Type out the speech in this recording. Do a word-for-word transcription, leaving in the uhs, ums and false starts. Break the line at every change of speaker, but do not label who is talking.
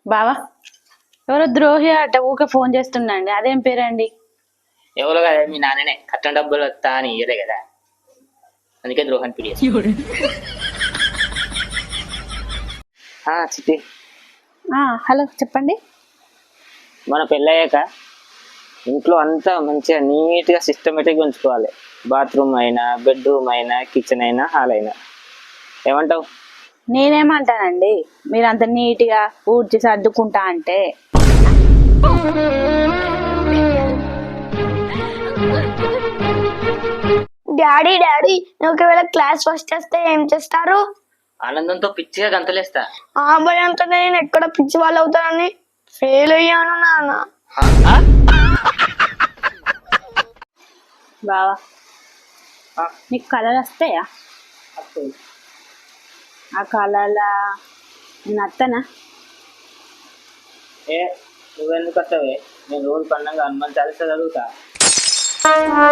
బావా ఎవరో ద్రోహి అట ఊకే ఫోన్ చేస్తుండండి. అదేం పేరండి?
ఎవరో కదా మీ నాన్ననే కట్టిన డబ్బులు వస్తా అని ఇయ్యలే కదా, అందుకే ద్రోహాన్ని పిలిచేసి. చిట్టి,
హలో చెప్పండి.
మన పెళ్ళయ్యాక ఇంట్లో అంతా మంచిగా నీట్గా సిస్టమేటిక్గా ఉంచుకోవాలి. బాత్రూమ్ అయినా, బెడ్రూమ్ అయినా, కిచెన్ అయినా, హాల్ అయినా. ఏమంటావు?
నేనేమంటానండి, మీరు అంత నీట్గా ఊడ్చి సర్దుకుంటా అంటే.
డాడీ డాడీ నువ్వు ఒకవేళ క్లాస్ ఫస్ట్ వస్తే ఏం చేస్తారు?
ఆనందంతో పిచ్చిగా గంతలేస్తా.
ఆ భయంతో నేను ఎక్కడ పిచ్చి వాళ్ళు అవుతానని ఫెయిల్ అయ్యాను నాన్న.
బావా నీకు కళలు వస్తాయా? ఆ కళల నేను అత్తనా?
ఏ నువ్వెందుకు వస్తావే? నేను రోజు పండుగ హనుమాన్ చాలీసా చదువుతా.